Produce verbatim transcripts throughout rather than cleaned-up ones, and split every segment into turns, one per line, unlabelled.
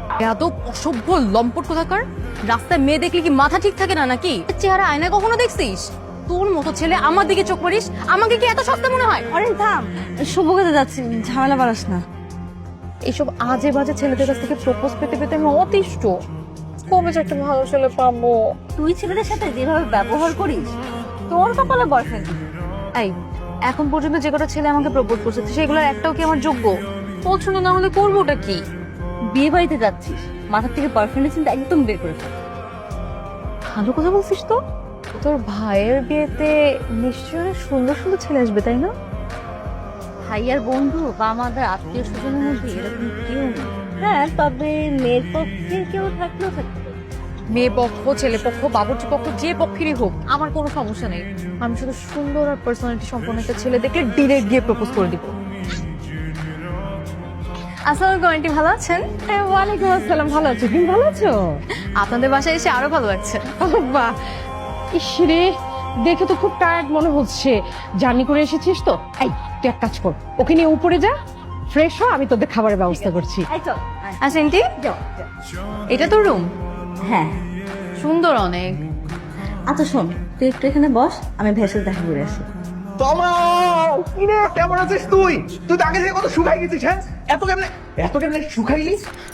এত অসভ্য লম্পট কোথাকার। রাস্তায় মেয়ে দেখলে কি মাথা ঠিক থাকে না নাকি? চেহারা আয়নায় কখনো দেখছিস? তোর মতো ছেলে আমার দিকে চোখ মারিস, আমাকে কি এত সস্তা মনে হয়?
অরেন থাম, শুভ কোথায় যাচ্ছি, ঝামেলা বাড়াস না।
এইসব আজে বাজে ছেলেদের কাছ থেকে প্রপোজ পেতে পেতে আমি অতিষ্ঠ। কবে যে একটা ভালো ছেলে পাবো?
তুই ছেলেদের সাথে যেভাবে ব্যবহার করিস, তোর কপালে বয়ফ্রেন্ড।
এই এখন পর্যন্ত যে কটা ছেলে আমাকে প্রপোজ করছে সেগুলোর একটাও কি আমার যোগ্য? পছন্দ না হলে করবোটা কি?
বিয়ে বাড়িতে যাচ্ছিস, মাথার থেকে বয়ফ্রেন্ডের চিন্তা একদম বের করে ফেল।
ভালো কথা বলছিস তো। তোর ভাইয়ের বিয়েতে নিশ্চয়ই অনেক সুন্দর সুন্দর ছেলে আসবে, তাই না?
ভাইয়ার বন্ধু বা আমাদের আত্মীয় স্বজনের মধ্যে এরকম কেউ নেই। হ্যাঁ, তবে মেয়ের পক্ষে কেউ থাকলেও থাকতে পারে।
মেয়ে পক্ষ, ছেলে পক্ষ, বাবুর্চি পক্ষ, যে পক্ষেরই হোক আমার কোনো সমস্যা নেই। আমি শুধু সুন্দর আর পার্সোনালিটি সম্পন্ন একটা ছেলে দেখে ডিরেক্ট গিয়ে প্রপোজ করে দিব। আসসালামু আলাইকুম আন্টি, ভালো আছেন?
ওয়ালাইকুম আসসালাম, ভালো আছো? তুমি ভালো আছো?
আপনাদের বাসায় এসে আরো ভালো লাগছে।
বাহ, ইসরে দেখে তো খুব টায়ার্ড মনে হচ্ছে। জার্নি করে এসেছিস তো। এই তুই এক কাজ কর, ওকে নিয়ে উপরে যা, ফ্রেশ হ, আমি তোদের খাবারের ব্যবস্থা করছি।
এই চল, আয়।
আচ্ছা আন্টি,
যাও, যাও।
এটা তো রুম,
হ্যাঁ,
সুন্দর অনেক।
আচ্ছা শোন, তুই একটু এখানে বস, আমি ভেসেল দেখা করে আসি।
তমা, কিরে কেমন আছিস তুই? তুই তো আগে থেকে কত শুকাই গেছিস, হ্যাঁ? এত কেমনে এত কেমনে শুকাইলি?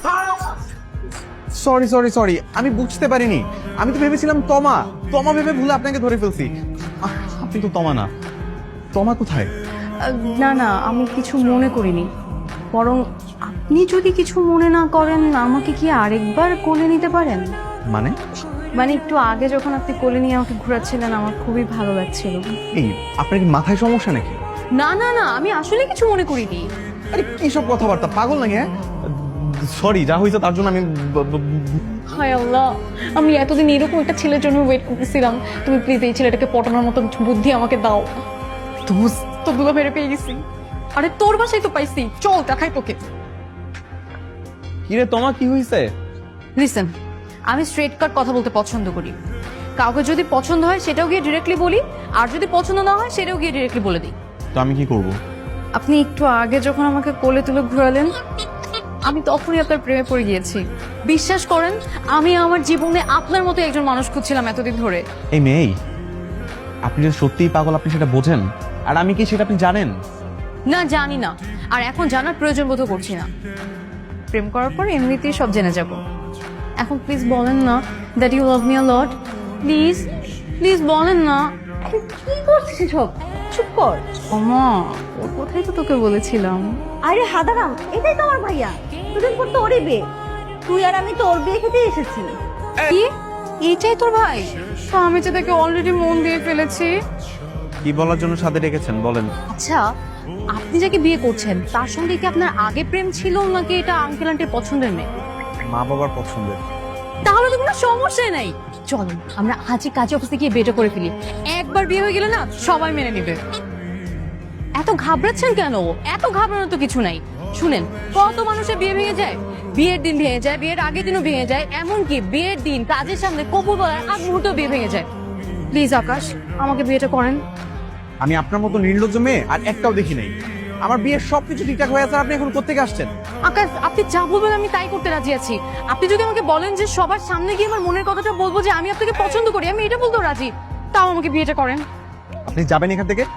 সরি সরি সরি, আমি বুঝতে পারিনি। আমি তো ভেবেছিলাম তমা তমা ভেবে ভুলে আপনাকে ধরে ফেলছি। আহ, আপনি তো তমা না। তমা কোথায়?
আহ, না না, আমি কিছু মনে করিনি। বরং আপনি যদি কিছু মনে না করেন, আমাকে কি আরেকবার কোলে নিতে পারেন?
মানে
মানে একটু আগে যখন আপনি কোলে নিয়ে আমাকে ঘোরাচ্ছিলেন, আমার খুবই ভালো লাগছিল।
এই আপনার কি মাথায় সমস্যা নাকি?
না না না, আমি আসলে কিছু মনে করিনি।
আরে কি সব কথাবার্তা, পাগল নাকি? হ্যাঁ, সরি, যা হয়েছে তার জন্য আমি ব- ব-
হায় আল্লাহ, আমি এতদিন এরকম একটা ছেলের জন্য ওয়েট করতেছিলাম। তুমি প্লিজ এই ছেলেটাকে পটানোর মতো বুদ্ধি আমাকে দাও। দোস্ত, তো দুলা মেরে পেয়ে গেছি। আরে তোর বাসায় তো পাইছি, চল দেখাই তোকে।
কিরে তমা, কি হয়েছে?
লিসেন, আমি স্ট্রেট কাট কথা বলতে পছন্দ করি। কাউকে যদি পছন্দ হয় সেটাও গিয়ে ডিরেক্টলি বলি, আর যদি পছন্দ না হয় সেটাও গিয়ে ডিরেক্টলি বলে দিই।
তো আমি কি করব?
আপনি একটু আগে যখন আমাকে কোলে তুলে ঘোরালেন, আমি তখনই আপনার প্রেমে পড়ে গিয়েছি। বিশ্বাস করেন, আমি আমার জীবনে আপনার মতো একজন মানুষ খুঁজছিলাম এতদিন ধরে।
এই মেয়ে, আপনি যদি সত্যিই পাগল আপনি সেটা বোঝেন, আর আমি কি সেটা আপনি জানেন?
না, জানি না, আর এখন জানার প্রয়োজন বোধ করছি না। প্রেম করার পর এমনিতেই সব জেনে যাব। এখন প্লিজ বলেন না that you love me a lot. Please please বলেন না।
কি করছিস সব? চুপ কর।
ওমা, ওর কথাই তো তোকে বলেছিলাম।
আরে হাদারাম, এটাই তো আমার ভাইয়া। দুদিন পর তো ওরই বিয়ে। তুই আর আমি তো ওর বিয়ে খেতে এসেছি।
কি, এইটাই তোর ভাই? তো আমি যে তাকে অলরেডি মন দিয়ে ফেলেছি।
কি বলার জন্য সাথে ডেকেছেন বলেন?
আচ্ছা, আপনি যাকে বিয়ে করছেন তার সঙ্গে কি আপনার আগে প্রেম ছিল, নাকি এটা আঙ্কেল আন্টির পছন্দের মেয়ে?
মা বাবার পছন্দের।
তাহলে তো কোনো সমস্যাই নাই। চল আমরা আজই কাজে অফিসে গিয়ে বিয়েটা করে ফেলি। একবার বিয়ে হয়ে গেলে না সবাই মেনে নেবে। এত ঘাবড়াচ্ছেন কেন? এত ঘাবড়ানোর তো কিছু নাই। শুনেন, কত মানুষের বিয়ে ভেঙে যায়, বিয়ের দিন ভেঙে যায়, বিয়ের আগের দিনও ভেঙে যায়, এমনকি বিয়ের দিন কাজের সামনে কপুর বলার আগ মুহূর্তেও বিয়ে ভেঙে যায়। প্লিজ আকাশ, আমাকে বিয়েটা করেন।
আমি আপনার মতো নির্লজ্জ মেয়ে আর একটাও দেখি নাই। আমার বিয়ের সবকিছু ঠিকঠাক হয়ে আছে, আপনি এখন কোত্থেকে আসছেন?
আকাশ, আপনি যা বলবেন আমি তাই করতে রাজি আছি। আপনি যদি আমাকে বলেন যে সবার সামনে গিয়ে আমার মনের কথাটা বলবো যে আমি আপনাকে পছন্দ করি, আমি এটা বলতেও রাজি। তাও আমাকে বিয়েটা করেন।
আপনি যাবেন এখান থেকে?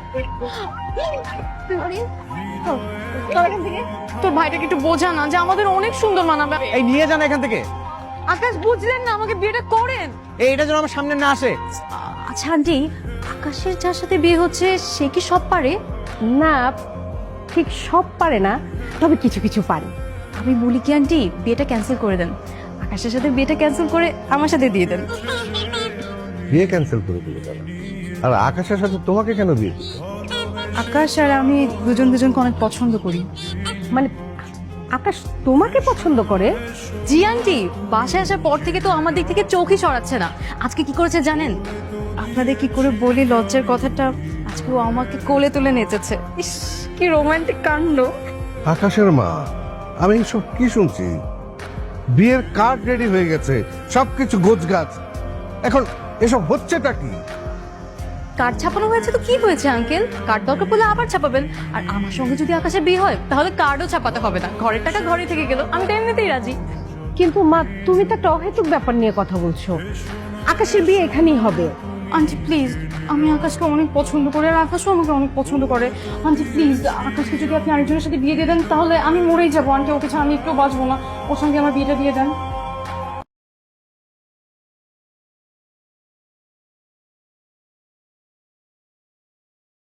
তোর ভাইটাকে একটু বোঝা না যে আমাদের অনেক সুন্দর মানাবে।
এই নিয়ে যান এখান থেকে।
আকাশ, বুঝলেন না, আমাকে বিয়েটা করেন।
এই এটা যেন আমার সামনে না আসে।
আচ্ছা আন্টি, আকাশের যার সাথে বিয়ে হচ্ছে সে কি সব পারে?
না, ঠিক সব পারে না, তবে কিছু কিছু পারে।
আমি বলি কি আন্টি, বিয়েটা ক্যান্সেল করে দেন। আকাশের সাথে বিয়েটা ক্যান্সেল করে আমার সাথে দিয়ে দেন।
বিয়ে ক্যান্সেল করে দিলে কেন? আর আকাশের সাথে তোমাকে কেন বিয়ে দিতে?
আকাশ আর আমি দুজন দুজনকে অনেক পছন্দ করি।
মানে আকাশ তোমাকে পছন্দ করে?
জি আন্টি, বাসায় আসার পর থেকে তো আমার দিক থেকে চোখই সরাচ্ছে না। আজকে কি করেছে জানেন? আপনাদের কি করে বলি লজ্জার কথাটা, আজকে ও আমাকে কোলে তুলে নেচেছে। ইস, কি রোমান্টিক কাণ্ড।
আকাশের মা, আমি সব কি শুনছি? বিয়ের কার্ড রেডি হয়ে গেছে, সবকিছু গোছগাছ, এখন এসব হচ্ছেটা কি?
কার্ড ছাপানো হয়েছে তো কি হয়েছে আঙ্কেল? কার্ড দরকার পড়লে আবার ছাপাবেন। আর আমার সঙ্গে যদি আকাশের বিয়ে হয় তাহলে কার্ডও ছাপাতে হবে না, ঘরের টাকা ঘরে থেকে গেল। আমি তো এমনিতেই রাজি।
কিন্তু মা তুমি তো একটা অহেতুক ব্যাপার নিয়ে কথা বলছো। আকাশের বিয়ে এখানেই হবে।
আন্টি প্লিজ, আমি আকাশকে অনেক পছন্দ করি আর আকাশও আমাকে অনেক পছন্দ করে। আন্টি প্লিজ, আকাশকে যদি আপনি আরেকজনের সাথে বিয়ে দিয়ে দেন তাহলে আমি মরেই যাবো আন্টি, ওকে ছাড়া আমি একটু বাঁচবো না। ওর সঙ্গে আমার বিয়েটা দিয়ে দেন।